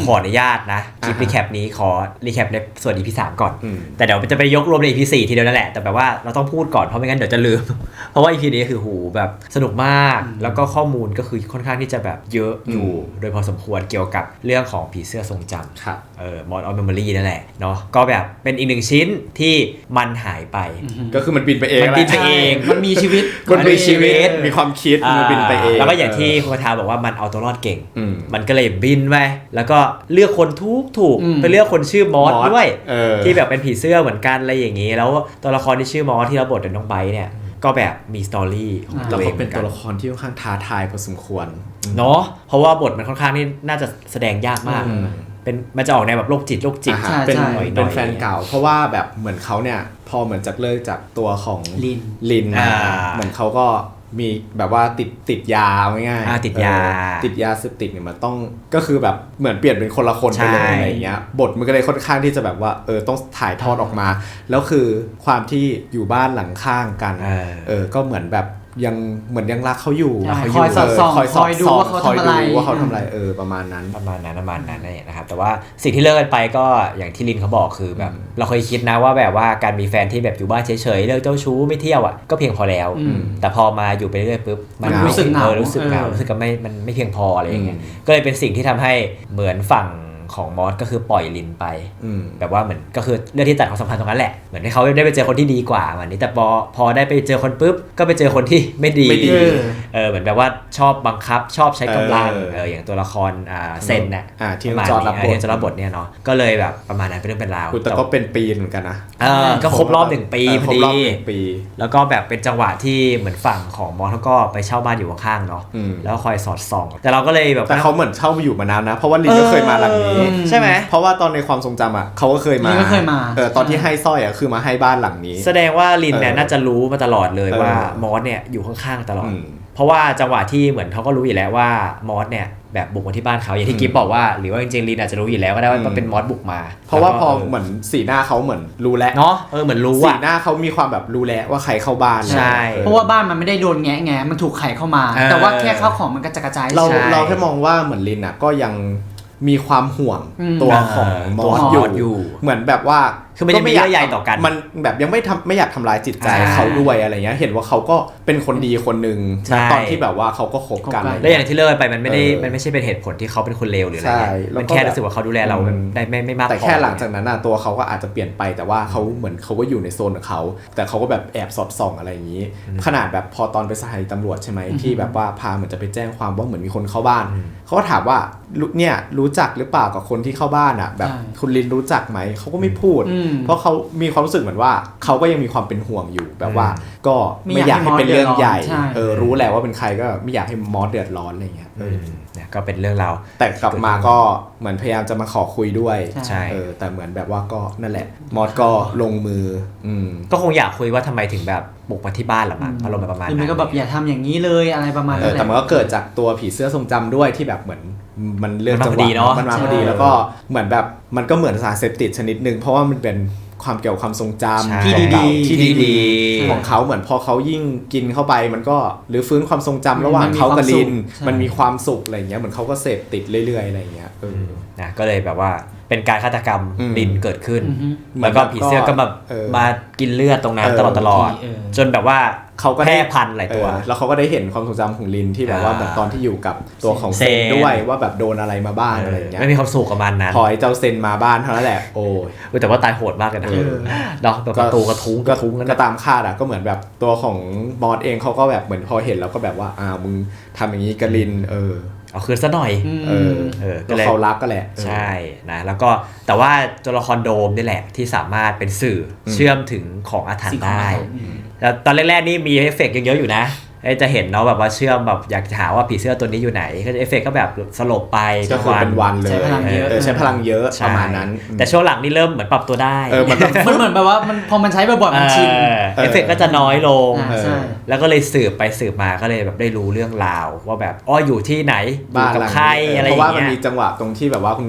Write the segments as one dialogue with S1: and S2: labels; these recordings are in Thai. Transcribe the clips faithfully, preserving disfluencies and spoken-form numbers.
S1: ขออนุญาตนะคลิปรีแคปนี้ขอรีแคปในส่วน อี พี สามก่อนแต่เดี๋ยวจะไปยกรวมใน อี พี สี่ทีเดียวนั่นแหละแต่แบบว่าเราต้องพูดก่อนเพราะไม่งั้นเดี๋ยวจะลืมเพราะว่า อี พี นี้คือหูแบบสนุกมากแล้วก็ข้อมูลก็คือค่อนข้างที่จะแบบเยอะอยู่โดยพอสมควรเกี่ยวกับเรื่องของผีเสื้อทรงจำเออ Mod of Memory นั่นแหละเนาะก็แบบเป็นอีกหนึ่งชิ้นที่มันหายไป
S2: ก็คือมันบินไปเอง
S1: มันบินไปเอง
S3: มันมีชีวิต
S2: มันมีชีวิตมีความคิดมันบินไปเอง
S1: แล้วก็อย่างที่คุณคาทาบอกว่ามันเอาตัวรอดเก่งมันก็เลยบินไปแล้วก็เลือกคนทุกถูกไปเลือกคนชื่อมอสด้วยที่แบบเป็นผีเสื้อเหมือนกันอะไรอย่างนี้แล้วตัวละครที่ชื่อมอสที่รับบทโดยน้องไบร์ทเนี่ยก็แบบมีสตอรี่ของตัวเอง
S2: เป็นตัวละครที่ค่อนข้างท้าทายพอสมควร
S1: เนาะเพราะว่าบทมันค่อนข้างนี่น่าจะแสดงยากมากเป็นมันจะออกในแบบโรคจิตโรคจิต
S2: เป็นเป็นแฟนเก่าเพราะว่าแบบเหมือนเขาเนี่ยพอเหมือนจากเลิกจากตัวของ
S3: ลิน
S2: ลินเหมือนเขาก็มีแบบว่าติดติดยาง่าย
S1: ๆติดยา
S2: ติดยาเสพติดเนี่ยมันต้องก็คือแบบเหมือนเปลี่ยนเป็นคนละคนไปเลยอะไรอย่างเงี้ยบทมันก็เลยค่อนข้างที่จะแบบว่าเออต้องถ่ายทอดออกมาแล้วคือความที่อยู่บ้านหลังข้างกันเออก็เหมือนแบบยังเหมือนยังรักเขาอยู่
S3: คอยสอดส่องคอยดูว่าเขาทำอะไร
S2: ว่าเขาทำอะไรเออประมาณนั้น
S1: ประมาณนั้นประมาณนั้นนี่นะครับแต่ว่าสิ่งที่เลิกกันไปก็อย่างที่ลินเขาบอกคือแบบเราเคยคิดนะว่าแบบว่าการมีแฟนที่แบบอยู่บ้านเฉยๆเลิกเจ้าชู้ไม่เที่ยวอ่ะก็เพียงพอแล้วแต่พอมาอยู่ไปเรื่อยปุ๊บ
S3: มันรู้สึกเหงา
S1: รู้สึกเหงารู้สึกก็ไม่มันไม่เพียงพออะไรอย่างเงี้ยก็เลยเป็นสิ่งที่ทำให้เหมือนฝั่งของมอสก็คือปล่อยลินไปแบบว่าเหมือนก็คือเรื่องที่ตัดความสัมพันธ์ตรงนั้นแหละเหมือนให้เขาได้ไปเจอคนที่ดีกว่าวันนี้แต่พอพอได้ไปเจอคนปุ๊บก็ไปเจอคนที่ไม่ดีเออเหมือนแบบว่าชอบบังคับชอบใช้กำลังเอออย่างตัวละครอ่าเซนน่ะ
S2: ที่จอดรับบท
S1: ที่จอดรับบทเนี่ยเนาะก็เลยแบบประมาณนั้นเป็นเรื่องเป็นราว
S2: แต่ก็เป็นปีเหมือนกันนะ
S1: เออก็ครบรอบหนึ่งปีพอดี
S2: ปี
S1: แล้วก็แบบเป็นจังหวะที่เหมือนฝั่งของมอสเขาก็ไปเช่าบ้านอยู่ข้างๆเนาะแล้วคอยสอดส่องแต่เราก็เลยแบบ
S2: แต่เขาเหมือนเช่ามาอยู่มานานนะเพราะว่าลินก็เคยมาหลังนี้
S1: ใช่ไหม
S2: เพราะว่าตอนในความทรงจำอ่ะเขาก็เคยมาเออตอนที่ให้สร้อยอ่ะคือมาให้บ้านหลังนี้
S1: แสดงว่าลินเนี่ยน่าจะรู้มาตลอดเลยว่ามอสเนี่ยอยู่ข้างๆตลอดเพราะว่าจังหวะที่เหมือนเขาก็รู้อยู่แล้วว่ามอสเนี่ยแบบบุกมาที่บ้านเขาอย่างที่กิ๊บบอกว่าหรือว่าจริงๆลินอาจจะรู้อยู่แล้วก็ได้ว่าเป็นมอสบุกมา
S2: เพราะว่าพอเหมือนสีหน้าเขาเหมือนรู้แล้ว
S1: เนาะเออเหมือนรู้
S2: สีหน้าเขามีความแบบรู้แล้วว่าใครเข้าบ้าน
S1: ใช่
S3: เพราะว่าบ้านมันไม่ได้โดนแงะแงะมันถูกไขเข้ามาแต่ว่าแค่ข้าวของมันกระจายกระจาย
S2: เราเราแค่มองว่าเหมือนลินอ่ะก็ยังมีความห่วงตัวของมอสอยู่เหมือนแบบว่า
S1: คือไม่ได้มีเยื่อใยต่อกัน
S2: มันแบบยังไม่ทำไม่อยากทำลายจิตใจเขาด้วยอะไรเงี้ยเห็นว่าเขาก็เป็นคนดีคนนึงตอนที่แบบว่าเขาก็คบกัน
S1: แล้วอย่างที่เลิกไปมันไม่ได้มันไม่ใช่เป็นเหตุผลที่เขาเป็นคนเลวหรืออะไรเงี้ยมันแค่รู้สึกว่าเขาดูแลเราได้ไม่ไม่มากพอ
S2: แต่แค่หลังจากนั้นตัวเขาก็อาจจะเปลี่ยนไปแต่ว่าเขาเหมือนเขาก็อยู่ในโซนของเขาแต่เขาก็แบบแอบสอดส่องอะไรอย่างนี้ขนาดแบบพอตอนไปสถานีตำรวจใช่ไหมที่แบบว่าพาเหมือนจะไปแจ้งความว่าเหมือนมีคนเข้าบ้านเขาก็ถามว่าเนี่ยรู้จักหรือเปล่ากับคนที่เข้าบ้านอ่ะแบบคุณลินรู้จักไหมเขาก็ไม่พูดเพราะเขามีความรู้สึกเหมือนว่าเขาก็ยังมีความเป็นห่วงอยู่แบบว่าก็ไม่อยากให้เป็นเรื่องใหญ่เออรู้แหละว่าเป็นใครก็ไม่อยากให้มอสเดือดร้อนอะไรเงี้ย
S1: เนี่ยก็เป็นเรื่องราว
S2: แต่กลับมาก็เหมือนพยายามจะมาขอคุยด้วยใช่เออแต่เหมือนแบบว่าก็นั่นแหละมอสก็ลงมืออืม
S1: ก็คงอยากคุยว่าทำไมถึงแบบบุกมาที่บ้านหรอมั้งอารมณ์ประมาณนั้น
S3: มันก็แบบอย่าทำอย่างนี้เลยอะไรประมาณนั้น
S2: แต่มันก็เกิดจากตัวผีเสื้อทรงจำด้วยที่แบบเหมือนมันเรื่องจังหวะมันมาพอดีแล้วก็เหมือนแบบมันก็เหมือนสารเสพติดชนิดนึงเพราะว่ามันเป็นความเกี่ยวกับความทรงจำ
S3: ที่ดี
S2: ๆที่ดีๆของเขาเหมือนพอเขายิ่งกินเข้าไปมันก็หรือฟื้นความทรงจำระหว่างเขากับลินมันมีความสุขอะไรอย่างเงี้ยเหมือนเขาก็เสพติดเรื่อยๆอะไรอย่างเงี้ยเออ
S1: นะก็เลยแบบว่าเป็นการฆาตกรรมลินเกิดขึ้นแล้วก็ผีเสื้อก็มามากินเลือดตรงนั้นตลอดตลอดจนแบบว่า
S2: เขาก็
S1: แพร่พันธุ์หลายตัว
S2: แล้วเขาก็ได้เห็นความทรงจำของลินที่แบบว่าแบบตอนที่อยู่กับตัวของเซนด้วยว่าแบบโดนอะไรมาบ้างอะไรอย่างเงี้ย
S1: ไม่มีความสุขกับมันนั้น
S2: พอไอ้เจ้าเซนมาบ้านเท่านั้นแหละโอ้
S1: ยแต่ว่าตายโหดมากเลยนะเนาะแบบประตูกระทุ้ง
S2: กระทุ้งก็ตามคาดอ่ะก็เหมือนแบบตัวของมอสเองเขาก็แบบเหมือนพอเห็นแล้วก็แบบว่าอ้าวมึงทำอย่างนี้กับลินเออ
S1: เอาคืนซะหน่อย
S2: เออเออก็เขารักก็แหละ
S1: ใช่นะแล้วก็แต่ว่าตัวละครโดมนี่แหละที่สามารถเป็นสื่อเชื่อมถึงของอาถรรพ์ได้แล้วตอนแรกๆนี่มีเอฟเฟกต์เยอะๆอยู่นะจะเห็นเนาะแบบว่าเชื่อมแบบอยากจะหาว่าผีเสื้อตัวนี้อยู่ไหนก็เอฟเฟกต์ก็แบบสลบไป
S2: ก็คือเป็นวันเลยใช้พลังเยอะใช้พลังเยอะประมาณนั้น
S1: แต่ช่วงหลังนี่เริ่มเหมือนปรับตัวได้
S3: เออมันเหมือนแบบว่ามันพอมันใช้บ่อยๆมันชิน
S1: เอฟเฟกต์ก็จะน้อยลงแล้วก็เลยสืบไปสืบมาก็เลยแบบได้รู้เรื่องราวว่าแบบอ้ออยู่ที่ไหนอยู่กับใครอะไรอย่างเงี้ย
S2: เพราะว่ามันมีจังหวะตรงที่แบบว่าคุณ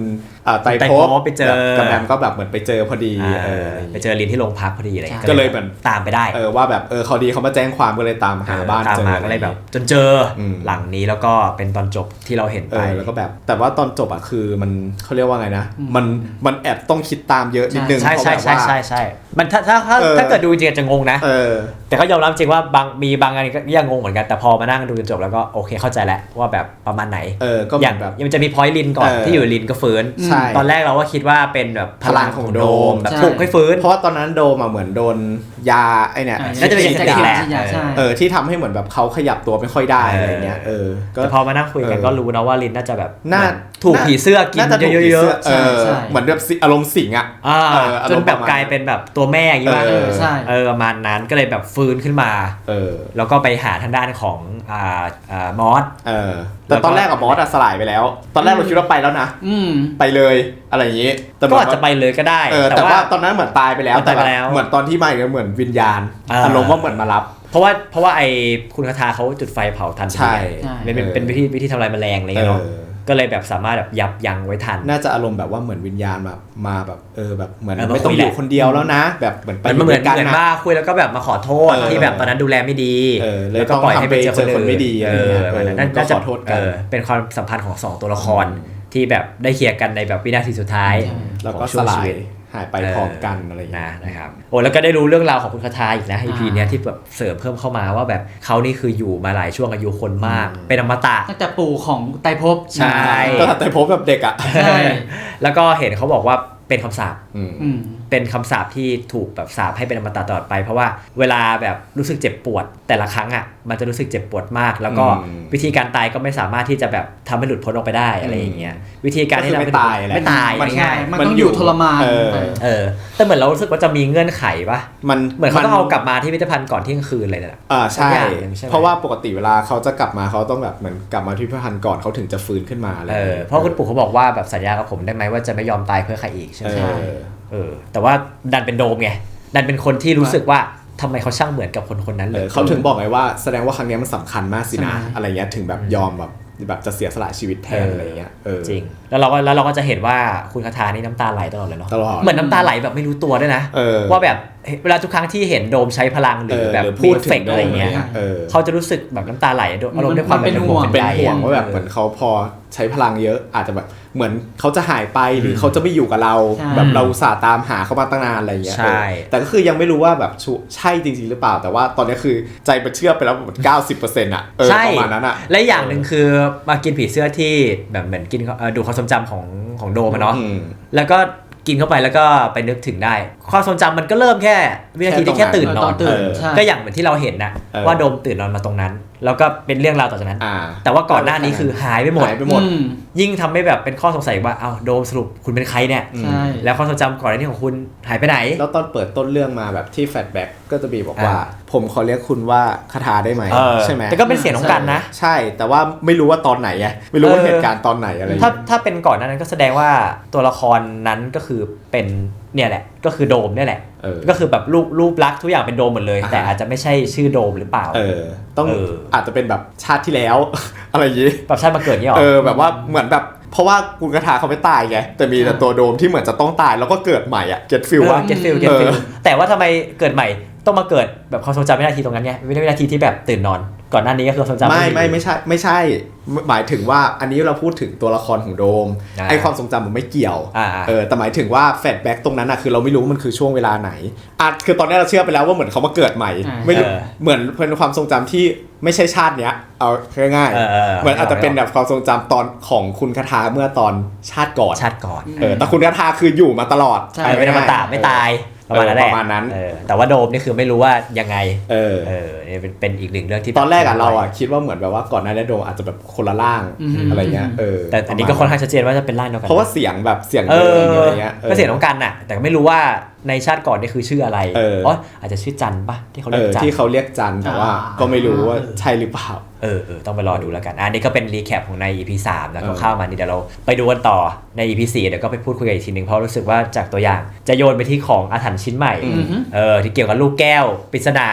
S2: อ่าไตร
S1: ไตร
S2: ภ
S1: ภ
S2: พ
S1: พไปเจอ
S2: กับแบมก็แบบเหมือนไปเจอพอดี
S1: อ่า
S2: เออ
S1: ไปเจอลินที่โรงพักพอดีอะไร
S2: ก็เลยเหมือน
S1: ตามไปได้
S2: เออว่าแบบเออเขาดีเขามาแจ้งความก็เลยตามหาบ้าน
S1: ตาม
S2: เจอ
S1: มาก็เลยแบบจนเจออ
S2: ม
S1: หลังนี้แล้วก็เป็นตอนจบที่เราเห็น
S2: เอ
S1: ไป
S2: อแล้วก็แบบแต่ว่าตอนจบอ่ะคือมันเขาเรียกว่าไงนะมันมันแอบต้องคิดตามเยอะนิดนึง
S1: ใช่
S2: เพราะ
S1: ใช่
S2: แบบ
S1: ใช่
S2: ว่า
S1: ใช่ใช่มันถ้าถ้าถ้า
S2: เออ
S1: ถ้าเกิดดูจริงๆจะงงนะ
S2: เออ
S1: แต่ก็ยอมรับจริงว่าบางมีบางอันก็ยังงงเหมือนกันแต่พอมานั่งดูจนจบแล้วก็โอเคเข้าใจแล้วว่าแบบประมาณไหน
S2: เออก็เห
S1: อ
S2: มื
S1: ย่า
S2: อง นแบบ
S1: ยังจะมีพอยต์ลินก่อน
S2: เออ
S1: ที่อยู่ลินก็ฟื้น
S2: ใช่
S1: ตอนแรกเราก็คิดว่าเป็นแบบพลังของโดมแบบ
S3: ใช่
S1: ปลุกให้ฟื้น
S2: เพราะว่าตอนนั้นโดมอ่ะเหมือนโดนยาไอเนี่ย
S1: น่าจะเป็น
S3: ฉีด
S1: ยา
S3: ฉีด
S1: แหละ
S3: ฉีดยาใช่
S2: เออที่ทำให้เหมือนแบบเขาขยับตัวไม่ค่อยได้อะไรเงี้ยเออก็
S1: แต่พอมานั่งคุยกัน
S2: เออ
S1: ก็รู้นะว่าลินน่าจะแบบ
S2: น่า
S1: ถูกผีเสื้อกิน
S2: น่าจะถูก
S1: เย
S2: ผี
S1: อะ
S2: สื้
S1: ๆ
S2: เออ
S3: ใช่
S2: เหมือนแบบสิอารมณ์สิงอ่ะ
S1: อ่า
S2: เอออาร
S1: จ
S2: ม
S1: น
S2: ณ์
S1: แบบ
S2: ประมาณ
S1: กลายเป็นแบบตัวแม่อย่างนี้ป่ะ
S2: เออ
S3: ใช่
S1: เออประมาณนั้นก็เลยแบบฟื้นขึ้นมา
S2: เออ
S1: แล้วก็ไปหาทางด้านของอ่าอ่ามอส
S2: เออแต่ตอนแรกกับบอสอะสลายไปแล้ว ตอนแรกเราคิดว่าไปแล้วนะ
S3: อืม
S2: ไปเลยอะไรอย่างงี้แต่เหมื
S1: ก็
S2: น
S1: อาจจะไปเลยก็ได้
S2: เออแต่ว่าตอนนั้นเหมือนตายไปแล้ว
S1: ตายไปแล้ว
S2: เหมือนตอนที่มาเนี่ยเหมือนวิญญาณ
S1: อ่า
S2: อารมณ์ว่าเหมือนมารับ
S1: เพราะว่าเพราะว่าไอ้คุณคาทาเขาจุดไฟเผาทัน
S2: ใช่
S3: ใช่
S1: เป็นเป็น
S2: เออ
S1: เป็นวิธีวิธีทำลายแมลงอะไร
S2: เอ
S1: เงี้ยเนาะ
S2: อ
S1: ก็เลยแบบสามารถแบบยับยั้งไว้ทัน
S2: น่าจะอารมณ์แบบว่าเหมือนวิญญาณแบบมาแบบเออแบบเหมือน
S1: เออมา
S2: ไม่ต้อง
S1: คุย
S2: อ
S1: แหละ
S2: ยู่คนเดียวแล้วนะ แบบเหมือนไป
S1: มันเหมือน
S2: ด้วย
S1: เหมือน
S2: นะ
S1: มาคุยแล้วก็แบบมาขอโทษ
S2: เออ
S1: ที่แบบตอนนั้นดูแลไม่ดี
S2: เออเลย
S1: แล้วก็ปล่อยให้ไปเจอคน
S2: ต้องทำไปเจอคนไม่ดี
S1: เอ
S2: อะไร
S1: อ
S2: เงี้ย
S1: นั่น
S2: เออ
S1: น่าจะ
S2: ก็ขอโทษกัน
S1: เออเป็นความสัมพันธ์ของสองตัวละครที่แบบได้เคลียร์กันในแบบวินาทีสุดท้าย
S2: แล้วก็
S1: ของ
S2: ส
S1: ช่วง
S2: ลา
S1: ชี
S2: ย
S1: วิต
S2: หายไปพร้อมกันอะไรอย่างเงี้
S1: นะ
S2: ย
S1: นะครับโอ้แล้วก็ได้รู้เรื่องราวของคุณคาทาอีกนะ อี พี
S3: อ่า
S1: เนี้ยที่แบบเสริมเพิ่มเข้ามาว่าแบบเขานี่คืออยู่มาหลายช่วงอายุคนมาก เป็นอมตะ
S3: ตั้งแต่ปู่ของไตรภพ
S1: ใช่
S2: ก็แต่พบแบบเด็กอ่ะ
S3: ใช่
S1: แล้วก็เห็นเขาบอกว่าเป็นคำสาป
S2: อืม
S3: อืม
S1: เป็นคำสาปที่ถูกแบบสาปให้เป็นอมตะตลอดไป เพราะว่าเวลาแบบรู้สึกเจ็บปวด แต่ละครั้งอ่ะมันจะรู้สึกเจ็บปวดมาก แล้วก็
S2: อืม
S1: วิธีการตายก็ไม่สามารถที่จะแบบทำให้หลุดพ้นออกไปได้อะไรอย่างเงี้ยวิธีการที่
S2: ก็
S1: ทำ
S2: คือ
S1: ให้
S2: ไม่ตายแหละ
S1: ไม่ตาย
S2: มัน
S1: ง่าย
S3: มันต้องอยู่ทรมาน
S2: เออ
S3: ไป
S1: ๆเออแต่เหมือนเรารู้สึกว่าจะมีเงื่อนไขปะ
S2: มัน
S1: เหมือนเขาต้องเอากลับมาที่พิพิธภัณฑ์ก่อนเที่ยงคืนเลยนะ
S2: อ่าใช่
S1: สักอย่างหนึ่งใช่ไหม
S2: เพราะว่าปกติเวลาเขาจะกลับมาเขาต้องแบบเหมือนกลับมาที่พิพิธภัณฑ์ก่อนเขาถึงจะฟื้นขึ้นมาอะไร
S1: เออเพราะคุณปู่เขาบอกว่าแบบสัญญากับผมได้ไหมว่าจะไม่ยอมตายเพื่อใครอีกใช่ไห
S2: เอ
S1: ม
S2: อ
S1: เออแต่ว่าดันเป็นโดมไงดันเป็นคนที่รู้สึกว่าทำไมเขาช่างเหมือนกับคนคนนั้นเล
S2: เอย อเขาถึงบอกไงว่าแสดงว่าครั้งเนี้ยมันสำคัญมากสินะ
S3: ใช่
S2: อะไรเงี้ยถึงแบบยอมแบบแบบจะเสียสละชีวิตแทนอะไรเงี้ยเออ
S1: จริงแล้วเราก็แล้วเราก็จะเห็นว่าคุณคาทานี่น้ำตาไหลตลอดเลยเนาะ
S2: ตลอด
S1: เหมือนน้ำตาไหลแบบไม่รู้ตัวด้วยนะ
S2: เออ
S1: ว่าแบบเวลาทุกครั้งที่เห็นโดมใช้พลังหรือแบบ
S2: เออหรือพู
S1: พู
S2: ด
S1: ด
S2: ถึง
S1: เฟกอะไรเงี้ย
S2: โดมอะไรเงี้ยเออ
S1: เขาจะรู้สึกแบบน้ำตาไหลอารมณ์ด้วยความ
S3: มันเป็นห่วง
S2: เป็น
S1: ใย
S2: ห่วงว่าแบบ
S1: ออ
S2: เหมือนเขาพอใช้พลังเยอะอาจจะแบบเหมือนเขาจะหายไปหรือเขาจะไม่อยู่กับเรา
S3: ใช่
S2: แบบเราอุตสาห์ตามหาเขามาตั้งนานอะไรเงี้ย
S1: ใช่
S2: เออแต่ก็คือยังไม่รู้ว่าแบบชุใช่จริงๆหรือเปล่า แต่ว่าตอนนี้คือใจมันเชื่อไปแล้วแบบเก้าสิบเปอร์เซ็นต์อ่ะเออ
S1: ใช่
S2: ประมาณนั้นอ่ะ
S1: และอย่างหนึ่งคือมากินผีเสื้อที่แบบเหมือนกินเอ่อดูความทรงจำของของโดมอะเนาะ
S2: อืม
S1: แล้วก็กินเข้าไปแล้วก็ไปนึกถึงได้ ความทรงจำมันก็เริ่มแค่วินาทีที่
S2: แค่
S1: แค่
S2: ตรงนั้น
S1: ตื่นน
S3: ต
S1: อ
S3: อน นตื่น
S2: เออ
S3: ใช่
S1: ก็อย่างเหมือนที่เราเห็นนะ
S2: เออ
S1: ว่าโดมตื่นนอนมาตรงนั้น แล้วก็เป็นเรื่องราวต่อจากนั้น
S2: อ่า
S1: แต่ว่าก่อนหน้านี้คือหายไปหมด
S2: หายไปหมด
S3: อืม
S1: ยิ่งทำให้แบบเป็นข้อสงสัยว่าเอ้าโดมสรุปคุณเป็นใครเนี่ย
S3: ใช่
S1: แล้วความทรงจำก่อนหน้านี้ของคุณหายไปไหน
S2: แล้วตอนเปิดต้นเรื่องมาแบบที่แฟลชแบ็กก็จะมีบอกว่า
S1: อ่า
S2: ผมขอเรียกคุณว่าคาถาได้ไหม
S1: เออ
S2: ใช่ไหม
S1: แต่ก็เป็นเสียงของกันนะ
S2: ใช่แต่ว่าไม่รู้ว่าตอนไหนไงไม่รู้ว่า
S1: เออ
S2: เหตุการณ์ตอนไหนอะไรอย่าง
S1: ถ้า
S2: เงี้ย
S1: ถ้าเป็นก่อนหนานั้นก็แสดงว่าตัวละครนั้นก็คือเป็นเนี่ยแหละก็คือโดมเนี่ยแหละ
S2: เออ
S1: ก็คือแบบรูปรูปลักษณ์ทุกอย่างเป็นโดมหมดเลย
S2: อ่าฮะ
S1: แต่อาจจะไม่ใช่ชื่อโดมหรือเปล่า
S2: เออต้อง
S1: เออ
S2: อาจจะเป็นแบบชาติที่แล้ว อะไรอย่างงี้
S1: แบบชาติมาเกิดเนี่ยหรอ
S2: เออแบบว่าเหมือนแบบเพราะว่ากุลกระทาเขาไม่ตายไงแต่มีแต่ตัวโดมที่เหมือนจะต้องตายแล้วก็เกิดใหม่อ่ะเก็ตฟิลว่า
S1: เก็ตฟิลเก็ตฟิล
S2: เออ
S1: แต่ว่าทำไมเกิดใหม่ต้องมาเกิดแบบความทรงจำวินาทีตรงนั้นไงวินาทีที่แบบตื่นนอน ก่อนหน้านี้ก็คือความทรงจำ
S2: ไม่ไม่
S1: อยู่
S2: ไม่ใช่ไม่ใช่ หมายถึงว่าอันนี้เราพูดถึงตัวละครของโดม
S1: อ่า
S2: ไอความทรงจำมันไม่เกี่ยว
S1: อ่า
S2: เออแต่หมายถึงว่าแฟลชแบ็กตรงนั้นอะคือเราไม่รู้ว่ามันคือช่วงเวลาไหนอ่ะคือตอนนี้เราเชื่อไปแล้วว่าเหมือนเขามาเกิดใหม่
S3: อ่า
S2: ไม่รู้
S1: เออ
S2: เหมือนเป็นความทรงจำที่ไม่ใช่ชาติเนี้ยเอาง่าย
S1: เออเออ
S2: ๆเหมือนอาจจะเป็นแบบความทรงจำตอนของคุณคาทาเมื่อตอนชาติก่อน
S1: ชาติก่อน
S2: เออแต่คุณคาทาคืออยู่มาตลอด
S3: ใช่
S1: เออเป็นอมตะไม่ตายประมาณนั้นแหละ
S2: ประมาณนั้น
S1: เออแต่ว่าโดมนี่คือไม่รู้ว่ายังไง
S2: เออ
S1: เออเนี่ยเป็นเป็นอีกหนึ่งเรื่องที่
S2: ตอนแรกอะเราอะคิดว่าเหมือนแบบว่าก่อนหน้านี้โดมอาจจะแบบคนละร่าง
S3: อืม
S2: อะไรเงี้ยเออ
S1: แต่อันนี้ก็ค่อนข้างชัดเจนว่าจะเป็นร่างเดียวกัน
S2: เพราะว่าเสียงแบบเสียง
S1: เอ
S2: เดิ
S1: อ
S2: มอะไรเงี้ย
S1: ก็เสียงน้องกันน่ะ แต่ก็ไม่รู้ว่าในชาติก่อนนี่คือชื่ออะไร
S2: เออ
S1: อ๋ออาจจะชื่อจันปะที่เขา
S2: เอ
S1: เรียก
S2: อ
S1: จัน
S2: ที่เขาเรียกจันแต่ว่า
S3: อ่า
S2: ก็ไม่รู้ว่าใช่หรือเปล่า
S1: เออเออต้องไปรอดูแล้วกันอันนี้ก็เป็นรีแคปของใน อี พี สามแล้ว
S2: เออ
S1: เข้ามานี่เดี๋ยวเราไปดูกันต่อใน อี พี สี่เดี๋ยวก็ไปพูดคุยกันอีกทีนึงเพราะรู้สึกว่าจากตัวอย่างจะโยนไปที่ของอาถรรพ์ชิ้นใหม่
S3: อือฮึ
S1: เออที่เกี่ยวกับลูกแก้วปริศนา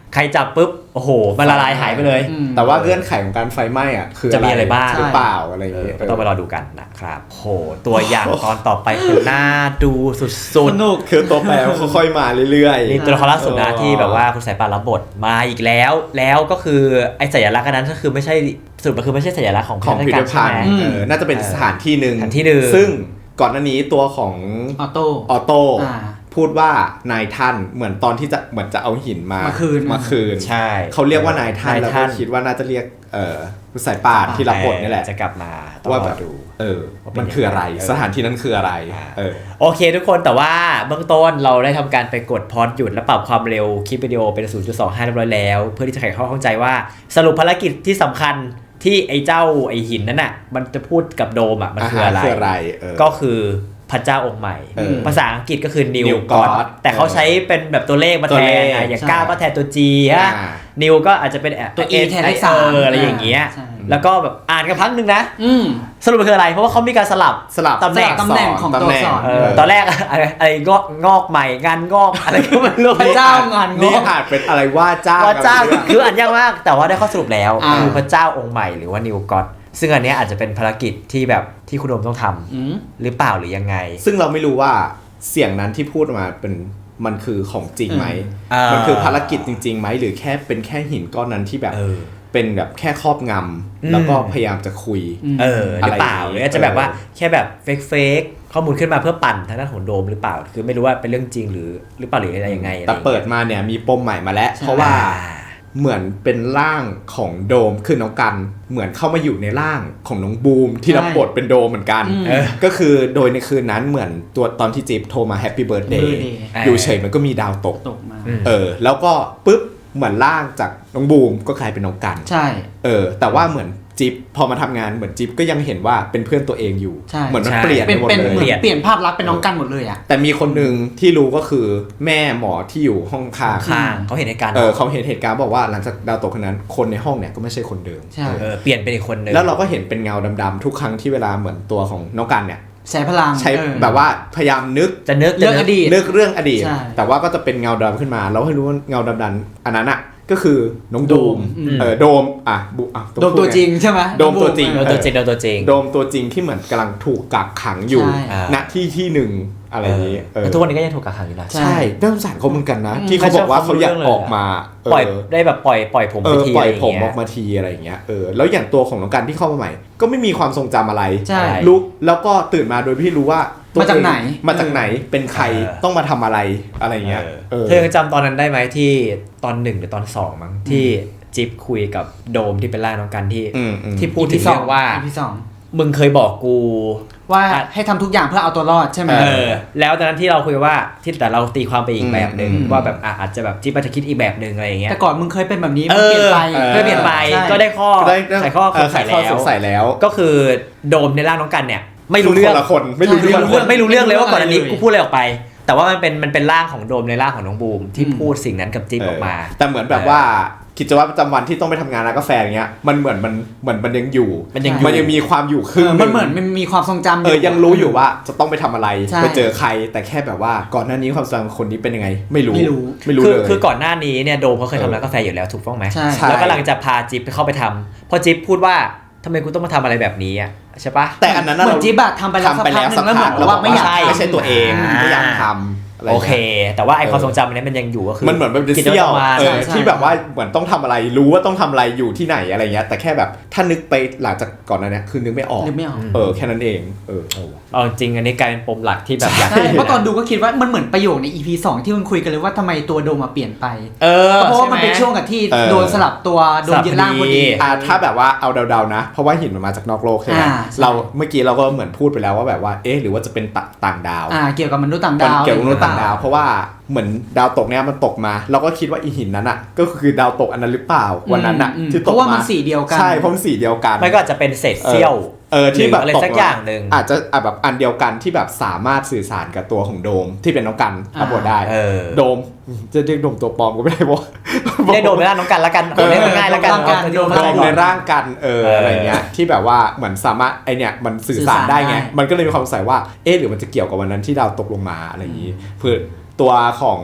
S1: ใครจับปุ๊บโอ้โหมันละลายหายไปเลย
S2: แต่ว่าเงื่อนไขของการไฟไหม้อ่ะคือ
S1: จะมีอะไรบ้าง
S2: หรือเปล่าอะไรอย่าง
S1: เอ
S2: เงี้
S1: อย ก็ต้องไปรอดูกันนะครับโหตัวอย่างตอนต่อไปคือน่าดูสุด
S3: สนุก
S2: คือตัวแปรค่อยๆมาเรื่อยๆ
S1: นี่ตัวละครล่าสุดนะที่แบบว่าคุณสายป่านรับบทมาอีกแล้ว แล้วก็คือไอ้สัญลักษณ์อันนั้นก็คือไม่ใช่สรุปมันคือไม่ใช่สัญลักษณ์ของ
S2: ของพิพิธภัณฑ์
S1: ใช่ไหม
S2: เออน่าจะเป็นสถานที่หนึ่ง
S1: สถานที่หนึ่ง
S2: ซึ่งก่อนหน้านี้ตัวของ
S3: ออโต้
S2: ออโต้
S3: อ่า
S2: พูดว่านายท่านเหมือนตอนที่จะเหมือนจะเอาหินมา
S3: มาคืน
S2: มาคืน
S1: ใช่
S2: เขาเรียกว่านายท่าน
S1: นาย
S2: แล้ว
S1: ท่า
S2: ก็
S1: น
S2: คิดว่าน่าจะเรียกเอ่อคุณสายป่านที่รับบทนี่แหละ
S1: จะกลับมาต้อง
S2: ว่าร แบ
S1: อบ ดู
S2: เออ
S1: ว่าเป็น
S2: มันคืออะไร
S1: ยังไง
S2: สถานที่นั้นคืออะไรเออ
S1: โอเคทุกคนแต่ว่าเบื้องต้นเราได้ทำการไปกดพอสหยุดและปรับความเร็วคลิปวิดีโอเป็น ศูนย์จุดสองห้า เรียบร้อยแล้ว เพื่อที่จะไขข้อข้องใจว่าสรุปภารกิจที่สำคัญที่ไอ้เจ้าไอ้หินนั้นน่ะมันจะพูดกับโดมอ่ะมันคืออะไร
S2: คืออะไรเออ
S1: ก็คือพระเจ้าองค์ใหม่
S2: เออ
S1: ภาษาอังกฤษก็คือ New
S2: New
S1: God
S2: God
S1: แต่เขาใช้เป็นแบบตัวเลขมาแท
S2: ตัวเล
S1: น
S2: ข
S1: นะอย่าง
S3: ใช่
S1: เก้าก็แทนตัว G ฮะ
S2: อ่า
S1: New ก็อาจจะเป็น
S3: ตัว E แทนเลขสาม
S1: เอออะไรอย่างเงี้ย
S3: ใช่
S1: แล้วก็แบบอ่านกันพักนึงนะ
S3: อืม
S1: สรุปมันคืออะไรเพราะว่าเขามีการสลับ
S2: สลับ
S1: ตำแหน่ง
S3: ตำแหน่งของตัวอักษร
S1: เออตอนแรกอะไรอะไรงอกงอกใหม่งานงอกอะไรก็ไม่รู้
S3: พระเจ้างานง
S2: นี่
S3: อก
S2: อาจเป็นอะไรว่าเจ้า
S1: พระเจ้า
S2: กัน
S1: คืออ่านยากมากแต่ว่าได้ข้อสรุปแล้ว
S3: อ่า
S1: คือพระเจ้าองค์ใหม่หรือว่า New God ซึ่งอันเนี้ยอาจจะเป็นภารกิจที่แบบที่คุณโดมต้องทำ
S3: อืม
S1: หรือเปล่าหรือยังไง
S2: ซึ่งเราไม่รู้ว่าเสียงนั้นที่พูดมาเป็นมันคือของจริงไหม
S1: อืม
S2: มันคือภารกิจจริงๆไหมหรือแค่เป็นแค่หินก้อนนั้นที่แบบ
S1: เออ
S2: เป็นแบบแค่ครอบงำแล้วก็พยายามจะคุย
S1: เออหรือเปล่า
S2: อะไรอย่างงี้
S1: หรืออาจจะแบบว่า
S2: เออ
S1: แค่แบบเฟกเฟกข้อมูลขึ้นมาเพื่อปั่นทางด้านของโดมหรือเปล่า คือไม่รู้ว่าเป็นเรื่องจริงหรือหรือเปล่าหรืออะไรยังไง
S2: แต่เปิดมาเนี่ยมีปมใหม่มาแล้ว
S3: ใช่
S2: เพราะว่าเหมือนเป็นร่างของโดมคือน้องกันเหมือนเข้ามาอยู่ในร่างของน้องบูมที่รับบทเป็นโดมเหมือนกัน
S3: อืม
S2: เออก็คือโดยในคืนนั้นเหมือนตัวตอนที่จิ๊บโทรมาแฮปปี้เบิร์ดเดย์
S3: Birthday
S2: อยู่เฉยมันก็มีดาวตก
S3: ตกมา
S1: อืม
S2: เออแล้วก็ปุ๊บเหมือนร่างจากน้องบูมก็กลายเป็นน้องกัน
S3: ใช่
S2: เออแต่ว่าเหมือนจิ๊บพอมาทำงานเหมือนจิ๊บก็ยังเห็นว่าเป็นเพื่อนตัวเองอยู่
S3: ใช่
S2: เหมือนมัน
S1: ใช่
S2: เปลี่ยน
S3: เป็น
S2: ไปหมด
S3: เป็น
S2: เล
S3: เหมือน
S2: ย
S3: เปลี่ยนภาพลักษณ์เป็นน้องกันหมดเลยอ่ะ
S2: แต่มีคนหนึ่งที่รู้ก็คือแม่หมอที่อยู่ห้องข้าง
S1: ข้างเขาเห็นในการณ์
S2: เออเขาเห็นเหตุการณ์บอกว่าหลังจากดาวตกคนนั้นคนในห้องเนี่ยก็ไม่ใช่คนเดิม
S3: ใช่
S2: เออ
S1: เออเปลี่ยนเป็นอีกคนนึง
S2: แล้วเราก็เห็นเป็นเงาดำๆทุกครั้งที่เวลาเหมือนตัวของน้องกันเนี่ย
S3: ใช้พลัง
S2: ใช้
S3: เออ
S2: แบบว่าพยายามนึก
S1: จะนึก
S3: เรื่อง
S1: จะ
S3: อ
S1: นึก
S3: ดีต
S2: นึกเรื่องอดีต
S3: ใช่
S2: แต่ว่าก็จะเป็นเงาดำขึ้นมาเราให้รู้ว่าเงาดำๆอันนั้นอ่ะก็คือน้องโดม
S3: อืม
S2: เออโดมอ่ะบุอ่ะ
S3: โดมตัวจริงใช่ไหม
S2: โดมตัวจริง
S1: โดมตัวจริงโดมตัวจริง
S2: โดมตัวจริงที่เหมือนกำลังถูกกักขังอยู่
S3: ใช่
S2: ณที่ที่หนึ่งอะไรอย่างนี้เออ
S1: แล้วทุกวันนี้ก็ยังถูกกักขังอยู่นะ
S3: ใช่
S2: ใช่น่าสงสารเขาเหมือนกันนะ
S3: อืม
S2: ที่เขาบอกว่าเขาอยากออกมา
S1: ปล่อย
S2: เออ
S1: ได้แบบปล่อยปล่อยผม
S2: เอ
S1: ไป
S2: อ
S1: ที
S2: ปล่
S1: อะ
S2: อย
S1: ไรอย่าง
S2: ผม
S1: เงี้
S2: อย อกมาทีอะไรอย่างเงี้ยเออแล้วอย่างตัวของน้องกันที่เข้ามาใหม่ ก็ไม่มีความทรงจำอะไร
S3: ใช่
S2: รู้แล้วก็ตื่นมาโดยที่รู้ว่าตัว
S3: มาจากไหน
S2: เองมาจากไหนเป็นใครต้องมาทำอะไรอะไรอย่างเงี้ยเออ
S1: เธอยังจำตอนนั้นได้ไหมที่ตอนหนึ่งหรือตอนสองมั้งที่จิ๊บคุยกับโดมที่เป็นร่างน้องกันที่
S2: อืมอืม
S1: ที่พูดถึงเรื่องว่า
S3: อีพีสอง
S1: มึงเคยบอกกู
S3: ว่าให้ทำทุกอย่างเพื่อเอาตัวรอดใช่ไหม
S1: เออแล้วตอนนั้นที่เราคุยว่าที่แต่เราตีความไปอีกแบบหนึ่ง
S3: อืม
S1: ว่าแบบอ่ะอาจจะแบบจิ๊บอาจจะคิดอีกแบบหนึ่งอะไรอย่างเงี้ย
S3: แต่ก่อนมึงเคยเป็นแบบนี้
S1: เอ
S3: มึงเปลี่ยนไป
S2: ออ
S1: เพื่อเปลี่ยนไป
S3: ใช่
S1: ก็ได้ข้อ
S2: ได้
S1: ใส่ข้อ
S2: เอ
S1: ส
S2: อง
S1: สัย
S2: ข้อ
S1: แล้
S2: ส
S1: ว
S2: งสัยแล้ว
S1: ก็คือโดมในร่างน้องกันเนี่ยไม่รู้เรื่อง
S2: คนละคนไม่รู้
S3: ใช่
S2: เรื่อง
S1: ไม่รู้เรื่องไม่รู้เรื่องเลยว่าก่อนอันนี้
S3: ไม่รู้
S1: กูพูดอะไรออกไป แต่ว่ามันเป็นมันเป็นร่างของโดมในร่างของน้องบูมที่
S3: อืม
S1: พูดสิ่งนั้นกับจิ๊บออกมา
S2: เออแต่เหมือนแบบว่ากิจวัตรประจำวันที่ต้องไปทำงานร้านกาแฟอย่างเงี้ยมันเหมือนมันเหมือนมันยังอยู่
S1: มันยังอยู่
S2: มันยังมีความอยู่ค
S3: เอ
S2: รึ่ง
S3: อ
S2: ห
S3: มันเหมือนมันมีความทรงจำ
S2: เออยังรู้อยู่ว่าจะต้องไปทำอะไร
S3: ใช่
S2: ไปเจอใคร แต่แค่แบบว่าก่อนหน้านี้ความทรงจำคนนี้เป็นยังไง ไม่รู้
S3: ไม่รู้
S2: ไม่รู้
S1: คือ
S2: เลย
S1: คือก่อนหน้านี้เนี่ยโดมเขาเคย
S2: เออ
S1: ทำร้านกาแฟอยู่แล้วถูกต้องไหม
S3: ใช่
S2: ใช่
S1: แล้วกำลังจะพาจิ๊บไปเข้าไปทำพอจิ๊บพูดว่าทำไมกูต้องมาทำอะไรแบบนี้อ่ะใช่ปะ
S2: แต่อันนั้น
S3: เหมือน
S2: เรา
S3: จิ๊บอะทำไปแล้ว
S2: ทำไปแล้ว
S3: สั
S2: สั
S3: ก
S2: ก
S3: พักหนึ่งแล้ว
S2: พัก
S3: เหมือนว่าไม่อยาก
S2: ไม่ใช่ตัวเอง
S1: อ่า
S2: ไม่อยากทำอะไร
S1: โอเค
S2: งี้ย
S1: แต่ว่าไอ
S2: เออ
S1: ความทรงจำอันนี้มันยังอยู่ก็คือ
S2: มันเหมือนมันเป็น
S1: กิจ
S2: เสี้ยว
S1: วัตรประจำวัน
S2: เออ
S3: ใช่ใช่
S2: ที่แบบว่าเหมือนต้องทำอะไรรู้ว่าต้องทำอะไรอยู่ที่ไหนอะไรเงี้ยแต่แค่แบบถ้านึกไปหลังจากก่อนหนั้นเนี่ยคือนึกไม่ออก
S3: นึกไม่ออก
S2: เออแค่นั้นเองเออ
S1: เอาจริงอันนี้กลายเป็นปมหลักที่แบบอยาก
S3: ใช่เพราะตอนดูก็คิดว่ามันเหมือนประโยคใน อี พี สองที่มันคุยกันเลยว่าทำไมตัวโดมมาเปลี่ยนไป
S1: เออ
S3: เพราะว่ามัน
S1: ใไห
S3: เป็นช่วงกับที่
S2: เออ
S3: โดนสลับตัวโดนยึดร่างพอดี
S2: อ่าถ้าแบบว่าเอาเดาๆนะ เพราะว่าหินมันมาจากนอกโลกใช่ไหม
S3: อ่าใช่
S2: เราเมื่อกี้เราก็เหมือนพูดไปแล้วว่าแบบว่าเอ๊ะหรือว่าจะเป็นตะต่างดาว
S3: อ่าเกี่ยวกับมนุษย์ต่าง
S2: มัน
S3: ดาว
S2: เกี่ยวกับมนุษย์ต่างดาวเพราะว่าเหมือนดาวตกเนี่ยมันตกมา เราก็คิดว่าอีหินนั้นอ่ะก็คือดาวตกอันนั้นหรือเปล่าวันนั้นอ่ะ
S3: อืม
S2: ที่
S3: เพ
S2: ตก
S3: ราะว่ามัน
S2: มา
S3: สีเดียวกัน
S2: ใช่เพราะมันสีเดียวกัน
S1: ไม่ก็อาจจะเป็นเศษเสี้ยว
S2: เออที่แบบ
S1: หรืออะไร
S2: ตก
S1: สักอย่างหนึ่ง
S2: อาจจะอ่ะแบบอันเดียวกันที่แบบสามารถสื่อสารกับตัวของโดมที่เป็นน้องกัน
S3: อ่า
S2: รับบทได้
S1: เออ
S2: โดมจะเรียกโดมตัวปลอมก็ไม่ได้บอก
S1: เรียกโดมในร่างน้องกันละกันเอาเรียกง่ายๆละกัน
S3: โดม
S1: เอาที่
S3: โดม
S2: โดมใน
S1: ร่าง
S2: ร่างกันเออ
S1: เอออ
S2: อะไรเงี้ยที่แบบว่าเหมือนสามารถไอเนี่ยมันสื่อสารได้ไง
S3: สื่อสารได้
S2: มันก็เลยมีความสงสัยว่าเอ๊ะหรือมันจะเกี่ยวกับวันนั้นที่ดาวตกลงมาอะไรอย่างนี้เพื่อตัวของ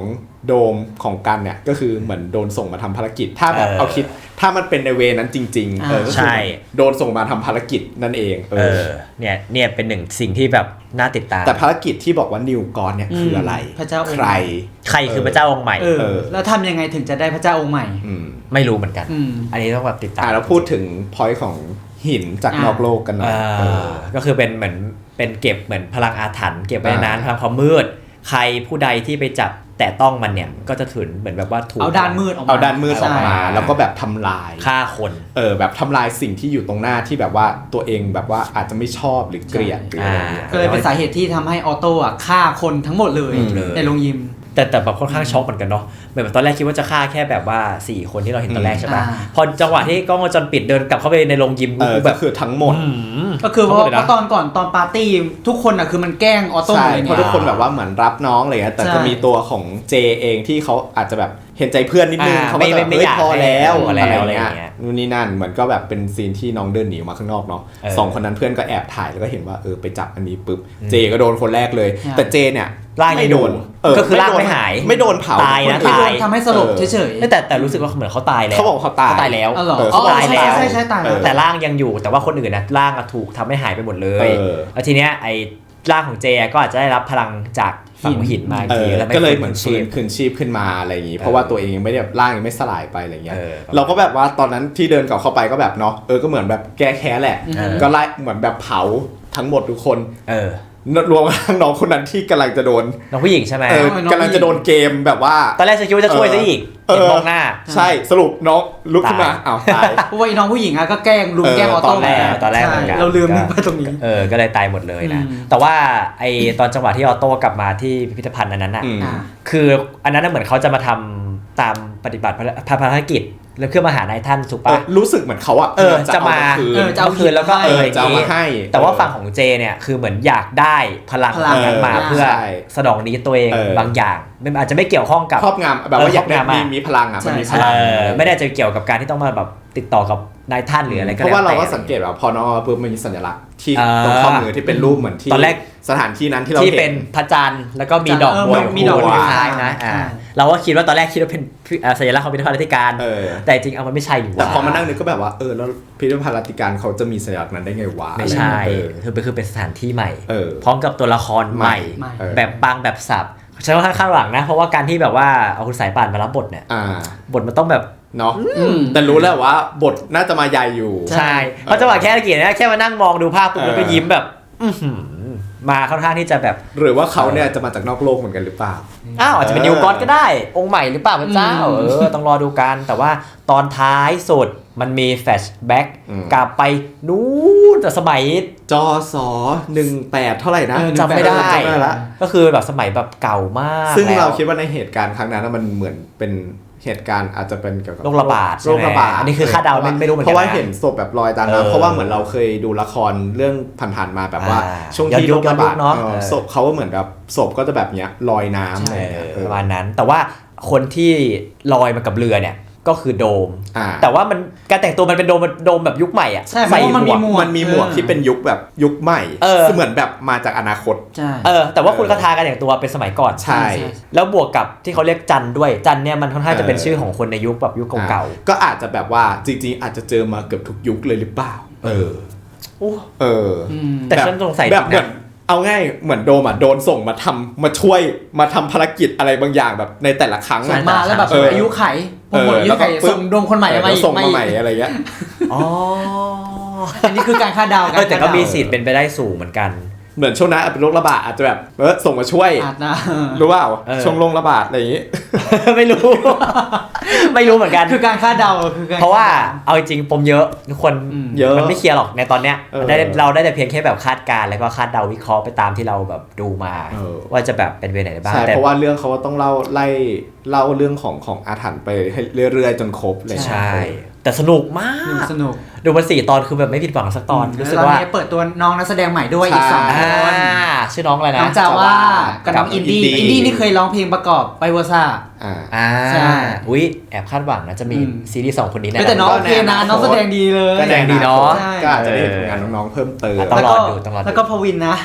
S2: โดมของกันเนี่ยก็คือเหมือนโดนส่งมาทำภารกิจถ้าแบบ
S1: เออ
S2: เอาคิดถ้ามันเป็นในเวนั้นจริงๆเออก็คือ
S1: ใช่
S2: โดนส่งมาทำภารกิจนั่นเองเอ
S1: เอ
S2: อ
S1: อเนี่ยเนี่ยเป็นหนึ่งสิ่งที่แบบน่าติดตาม
S2: แต่ภารกิจที่บอกว่านิวกอนเนี่ยคืออะไร
S3: พระเจ้าองค์
S2: ใคร
S1: ใครคือพระเจ้าองค์ใหม่
S3: เออ
S2: เออ
S3: แล้วทำยังไงถึงจะได้พระเจ้าองค์ใหม่
S2: อืม
S1: ไม่รู้เหมือนกัน
S3: อืม
S1: อันนี้ต้องแบบติดตาม
S2: อ่าแล้วพูดถึงพอยต์ของหินจาก
S3: อ่าน
S2: อกโลกกันหน่อย
S1: เอ
S2: เอ
S1: อ
S2: อ
S1: ก็คือเป็นเหมือนเป็นเก็บเหมือนพลังอาถรรพ์เก็บไว้ในนั้น
S2: อ่า
S1: พลังความมืด ใครผู้ใดที่ไปจับแต่ต้องมันเนี่ยก็จะถึงเหมือนแบบว่าถูก
S3: เอาด้านมืดออกมา
S2: เอาด้านมืดออกมา
S1: ใช่
S2: แล้วก็แบบทำลาย
S1: ฆ่าคน
S2: เออแบบทำลายสิ่งที่อยู่ตรงหน้าที่แบบว่าตัวเองแบบว่าอาจจะไม่ชอบหรือเกลียดหรืออะไรเงี้ย
S3: ก็เลยเป็นสาเหตุที่ทำให้ออโต้อะฆ่าคนทั้งหมดเลย
S2: อืม
S3: ในโรงยิม
S1: แต่แต่แบบค่อนข้างช็อกเหมือนกันเนาะเหมือนแบบตอนแรกคิดว่าจะฆ่าแค่แบบว่าสี่คนที่เราเห็นตอนแรกใช่ปะ
S3: อ่า
S1: พอจังหวะที่กล้องวงจรปิดเดินกลับเข้าไปในโรงยิม
S2: เออ
S1: แบ
S2: ก็
S1: บ
S2: คือทั้งหมด
S1: อืม
S3: ก็คือเพราะ
S1: ทั้งหมดเลย
S3: เพ
S1: นะ
S3: ราะตอนก่อนตอนปาร์ตี้ทุกคนอะคือมันแกล้งออโต้
S2: ใช่
S3: เลย
S2: เพ
S3: ไง
S2: ราะทุกคนแบบว่าเหมือนรับน้องอะไรเงี้ยแต่
S3: ใช่
S2: จะมีตัวของเจเองที่เขาอาจจะแบบเห็นใจเพื่อนนิดนึง
S1: อ่า
S2: เขาก็จะ
S1: ไม่
S2: แบบ
S1: ไม่
S2: เฮ้ย
S1: อยาก
S2: พอแล้ว
S1: ให้
S2: อะไร
S1: อะไร
S2: เงี้
S1: อย่างเงี้
S2: ย
S1: ย
S2: นู่นนี่นั่นเหมือนก็แบบเป็นซีนที่น้องเดินหนีออกมาข้างนอกเนาะ
S1: เออ
S2: สองคนนั้นเพื่อนก็แอบถ่ายแล้วก็เห็นว่าเออไปจับอันนี้ปุ๊บเจก็โดนคนแรกเลย
S3: ใช่
S2: แต่เจเนี่ย
S1: ร่างยัง
S2: ไม่โดน
S1: อยู่
S2: เออ
S1: ก็คือร่าง
S2: โดน
S1: ไม่หาย
S2: ไม่โดนเผา
S1: ตายนะ
S2: คอื่
S3: ไม่โดน
S1: ตาย
S3: ทำให้สลบเฉย
S1: แต่แต่รู้สึกว่าเหมือนเขาตายแล้ว
S2: เขาบอกเขาตาย
S1: ตายแล้ว
S3: ๆอ๋อเหรอ
S2: เออ
S3: อ๋อ
S1: ตายแล้ว
S3: ใช่ใช่ตายแล้ว
S1: แต่ร่างยังอยู่แต่ว่าคนอื่นนะร่างอะถูกทำให้หายไปหมดเลย
S2: เออ
S1: แล้วทีเนี้ยไอ้ร่างของเจก็อาจจะได้รับพลังจากฝั่งหินมาอีก
S2: เอ
S1: ที
S2: อ
S1: แล้ว
S2: ก็เลยเหมือน
S1: ชี
S2: ฟื้น
S1: พ
S2: คืนชีพขึ้นมาอะไรอย่างงี้เพราะว่าตัวเองยังไม่ได้แบบร่างยังไม่สลายไปอะไรเงี้ย
S1: เออ
S2: เราก็แบบว่าตอนนั้นที่เดินกลับเข้าไปก็แบบเนาะเออก็เหมือนแบบแก้แค้นแหละ
S1: เออ
S2: ก็ไล่เหมือนแบบเผาทั้งหมดทุกคน
S1: เออ
S2: รวมทั้งน้องคนนั้นที่กำลังจะโดน
S1: น้องผู้หญิงใช่ไหม
S2: เออ
S3: น้องผู้หญิง
S2: กำลังจะโดนเกมแบบว่า
S1: ตอนแรกฉันคิดว่าจะช่วยซะอีก
S2: เออ
S1: เห็นมองหน้า
S2: ใช่สรุปน้องลุกขึ้นมา
S1: ตาย
S2: อ้าวตาย
S3: เพราะว่าไอ้น้องผู้หญิงอะก็แกล้งลุม
S2: เออ
S3: แกล้งออ
S2: ต
S3: โต้
S2: อนแรก
S3: เหมื
S1: ตอนแรกเหมือนกัน
S3: ใช่เราลืมนึกไปตรงนี้
S1: เออก็เลยตายหมดเลยนะ
S3: อืม
S1: แต่ว่าไอตอนจังหวะที่ออโต้กลับมาที่พิพิธภัณฑ์อันนั้นอ่ะ
S2: อืม
S3: อ่า
S1: คืออันนั้นนะเหมือนเขาจะมาทำตามปฏิบัติภารกิจแล้วเพื่อมาหานายท่านถูก
S2: เอ
S1: ปะ
S2: อรู้สึกเหมือนเขาอะ
S1: เออจะมา
S2: คืน
S3: เออจะเอา
S1: คืนแล้วก็
S3: ให้
S1: เออ
S2: จะเอามาให้
S1: แต่ว่าฝั่งของเจเนี่ยคือเหมือนอยากได้พลัง
S3: พลัง
S1: นั้นมา
S3: เออ
S1: เพื่อ
S2: ใช่
S1: สนองนี้ตัวเอง
S2: เออ
S1: บางอย่างไม่อาจจะไม่เกี่ยวข้องกับ
S2: ครอบงำแบบว่าอยากได้
S1: เออครอบงำอะ
S2: มีมีพลังอะมันมี
S3: ใช่
S2: พลัง
S1: เออไม่ได้จะเกี่ยวกับการที่ต้องมาแบบติดต่อกับนายท่านหรืออะไรก็
S2: เพราะว่าเรา
S1: แล้ว
S2: ก็
S1: แต่
S2: สังเกตว่าพอน้องเอาปุ๊บมันมีสัญลักษณ์ที่
S1: เออ
S2: ตรงข้อมือที่เป็นรูปเหมือนที่
S1: ตอนแรก
S2: สถานที่นั้นที่เรา
S1: ที่
S2: เห็
S1: เป็น นพระจันทร์แล้วก็มีดอก
S3: เออ
S1: บัว
S3: มีดอกบัว
S1: คล้ายๆนะอ่า
S3: ใช่
S1: เราก็คิดว่าตอนแรกคิดว่าเป็นอ่าสัญลักษณ์ของพิพิธภัณฑ์รัติการ
S2: เออ
S1: แต่จริงเอามันไม่ใช่อยู่
S2: แต่พอมา
S1: ว่ะ
S2: นั่งนึกก็แบบว่าเออแล้วพิพิธภัณฑ์รัตติการเขาจะมีสัญลักษณ์นั้นได้ไงวะ
S1: ไม่ใช่
S2: เออ
S1: คือเป็นคือเป็นสถานที่ใหม่
S2: เออ
S1: พร้อมกับตัวละครใหม่
S3: ใหม่
S2: เออ
S1: แบบปังแบบสับใช้ว่าข้างหลังนะ เพราะว่าการที่แบบว่าเอาคุณสายป่านมารับบทเนี่ย
S2: อ่า
S1: บทมันต้องแบบ
S2: เนาะ
S3: อืม
S2: แต่รู้แล้วว่าบทน่าจะมาใหญ่อยู่
S3: ใช่
S1: ใช่เพราะจังหวะแค่ตะกี้นะแค่มานั่งมองดูภาพปุ๊บ
S2: เออ
S1: แล้วก็ยิ้มแบบ อื้อหือมาค่อนข้างที่จะแบบ
S2: หรือว่าเขาเนี่ยจะมาจากนอกโลกเหมือนกันหรือเปล่า
S1: อ้าวอาจจะเป็น
S2: เออ
S1: นิวกอนก็ได้ องค์ใหม่หรือเปล่าพระเจ้า
S3: อืม
S1: เออต้องรอดูกันแต่ว่าตอนท้ายสุดมันมีแฟลชแบ็ก
S2: อืม
S1: กลับไปนู้นแต่สมัย
S2: จอสอหนึ่งแปดเท่าไหร่นะ
S3: เออ
S1: จำไม่ได้
S2: จำไม่ได้ละ
S1: ก็คือแบบสมัยแบบเก่ามาก
S2: ซึ่ง
S1: แล้ว
S2: เราคิดว่าในเหตุการณ์ครั้งนั้นนะมันเหมือนเป็นเหตุการณ์อาจจะเป็นเกี่ยวกับ
S1: โรคระบาด
S2: โรคระบาด
S1: ใช่ไหมอันนี้คือคาดเดาไม่ไม่รู้เหมือนกัน
S2: เพราะว่า
S1: นะ
S2: เห็นศพแบบลอยตาม
S1: เออ
S2: น้ำเพราะว่าเหมือนเราเคยดูละครเรื่องผ่านๆมาแบบว่า
S1: อ่า
S2: ช่วง
S1: ย้อน
S2: ที่
S1: ยุ
S2: โร
S1: ค
S2: คระบาด
S1: ย้อนยุคเนอะ
S2: เออ
S1: เออ
S2: ศพเขาก็เหมือนแบบศพก็จะแบบเนี้ยลอยน้ำอะไร
S1: เอ
S2: เงี้ย
S1: อ
S2: เออ
S1: ประมาณนั้น แต่ว่าคนที่ลอยมากับเรือเนี่ยก็คือโดม
S2: อ่า
S1: แต่ว่ามันการแต่งตัวมันเป็นโดมโดมแบบยุคใหม่อ่ะ
S3: ใช่เพราะว่ามันมีหมวก
S2: มันมีหมวกที่เป็นยุคแบบยุคใหม่
S1: เออ
S2: เหมือนแบบมาจากอนาคต
S3: ใช่
S1: เออแต่ว่าคุณคาทาการแต่งตัวเป็นสมัยก่อน
S2: ใช่
S1: แล้วบวกกับที่เขาเรียกจันด้วยจันเนี่ยมันค่อนข้างจะเป็น
S2: เออ
S1: ชื่อของคนในยุคแบบยุคเก่า
S2: อ่ะก็อาจจะแบบว่าจริงๆ อาจจะเจอมาเกือบทุกยุคเลยหรือเปล่า เออ
S1: ๆอู้
S2: เออ
S3: อืม
S1: แต่ฉันสงสัย
S2: แบบเหมือน
S1: นะ
S2: เอาง่ายเหมือนโดมอ่ะโดนส่งมาทำมาช่วยมาทำภารกิจอะไรบางอย่างแบบในแต่ละครั้ง
S3: ส่
S2: อะ
S3: งมาแล้วแบบ
S2: เออ
S3: อายุไขผมหมดอายุไข
S2: เออแล้วก็
S3: ส่งโดมคนใหม่
S2: เออ
S3: มา
S2: แล้ว
S3: อีก
S2: ส่งมา
S3: อีก
S2: ใหม่อะไรเงี้ย
S1: อ๋อ
S3: อันนี้คือการคาดเดา
S1: เออแต่ก็
S3: คาดเดา
S1: มีสิทธิ์เป็นไปได้สูงเหมือนกัน
S2: เหมือนช่วงนั้นเป็นโรคระบาดอาจจะแบบเออส่งมาช่วย
S3: อาจนะ
S2: รู้เปล่า
S1: เออ
S2: ช่วงโรคระบาดอะไรอย่างงี้
S1: ไม่รู้ ไม่รู้เหมือนกัน
S3: คือการคาดเดาคือการ
S1: เพราะว่าเอาจริงๆปมเยอะทุกคน
S3: อืม
S2: เยอะ
S1: มันไม่เคลียร์หรอกในตอนเนี้ย
S2: เออ
S1: มันได้เราได้แต่เพียงแค่แบบคาดการณ์แล้วก็คาดเดาวิเคราะห์ไปตามที่เราแบบดูมา
S2: เออ
S1: ว่าจะแบบเป็นเวไหนได้บ้าง
S2: ใช่
S1: แต่
S2: เพราะว่าเรื่องเขาก็ต้องเล่าไล่เล่าเรื่องของของอาถรรพ์ไปให้เรื่อยๆจนครบเลย
S1: ใช่ แต่สนุกมาก
S3: สนุก
S1: ดูมันสี่ตอนคือแบบไม่ผิดหวังสักตอนรู้สึก
S3: แล้ว
S1: ว่า
S3: ตอนนี้เปิดตัวน้องนักแสดงใหม่ด้วยอีกสอง
S1: อ่า
S3: คน
S1: ชื่อน้องอะไรนะ
S3: น้องจาว่ากับน้อง
S2: กับ
S3: อินดี้
S2: อินดี้
S3: อินดี้นี่เคยร้องเพลงประกอบไปเวอร์ซ่า
S2: อ่า
S1: อ่า
S3: ใช่
S1: อุ้ยแอบคาดหวังนะจะมี
S3: อืม
S1: ซีรีส์สองคนนี้แน่
S3: แต่น้อง
S2: ก็
S3: โอเคนะ
S2: แน่นะ
S3: น้องแสดงดีเลย
S1: ก็แสดงดีเนาะ
S3: ใช่
S2: ก็อาจจะได้เห็นผลงานน้องๆเพิ่มเติม
S1: อ่ะต้องรอดูต้องรอดู
S3: แล้วก็พวินนะ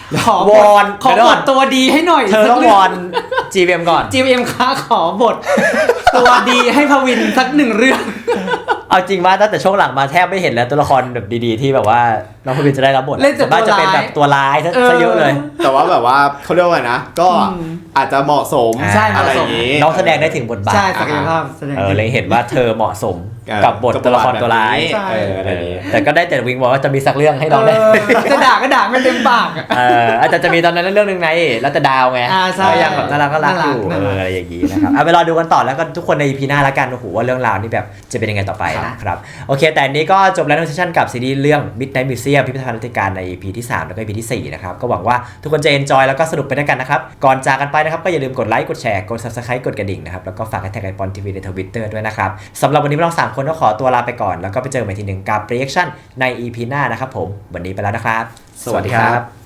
S3: ขอ
S1: วอน
S3: ขอบทตัวดีให้หน่อย
S1: เธอต้องวอน จี วี เอ็ม ก่อน
S3: จี เอ็ม ค้าขอบท ตัวดีให้พวินสักหนึ่งเรื่อง
S1: เอาจริงว่าตั้งแต่ช่วงหลังมาแทบไม่เห็นแล้วตัวละครแบบดีๆที่แบบว่าน้องพวินจะได้รับบท
S3: เล่นแต่
S1: ส่วนมากจะเป็นแบบตัวร้ายซะ
S3: เออ
S1: ซะเยอะเลย
S2: แต่ว่าแบบว่าเขาเรียกว่าไงนะ ก็อาจจะเหมาะสม
S3: ใช่เหมาะ
S2: อะไร
S3: ส
S2: อ
S3: ม
S2: ย่างนี้
S1: น้องแสดงได้ถึงบทบาท
S3: ใช่ศักยภาพแสดง
S1: เออเลยเห็นว่าเธอเหมาะสม
S2: เออ
S1: กับบทตัวละครตัวร้าย
S3: ใช่
S2: เอออะไรอย่างนี้
S1: แต่ก็ได้แต่วิงบอกว่าจะมีสักเรื่องให้น้องได้
S3: เออจะด่าก็ด่าไม่เต็มปากอะ
S1: เอออาจจะจะมีตอนนั้นเรื่องหนึงไงแล้วแต่ดาวไง
S3: อ่าใช่
S1: ก็ยังแบบน่ารักก็รักอยู่
S3: น่า
S1: เอ
S3: รัก
S1: ออะไรอย่างนี้นะครับเอาไปรอดูกันต่อแล้วก็ทุกคนใน อี พี หน้าละกันโอ้โหว่าเรื่องราวนี่แบบจะเป็นยังไงต่อไปนะครับโอเคแต่อันนี้ก็จบแล้วในเซสชั่นกับซีรีส์เรื่อง Midnight Museum พิพิธภัณฑ์นาฏการใน อี พี ที่สามแล้วก็ อี พี ที่สี่นะครับก็หวังว่าทุกคนจะ enjoy แล้วก็สนุกไปด้วยกันนะครับก่อนจากกันไปนะครับก็อย่าลืมกดไลค์กดแชร์กด Subscribe กดกระดิ่งนะครับแล้วก็ฝากแท็กไอปอนทีวีใน Twitter ด้วยนะครับสำหรับวันนี้พวกเราสามคนก็ขอตัวลาไปก่อนแล้วก็ไปเจอกันใหม่ทีหนึ่งกับ reaction ใน อี พี หน้านะครับผมวันนี้ไปแล้วนะครับ
S2: สวัสดีครับ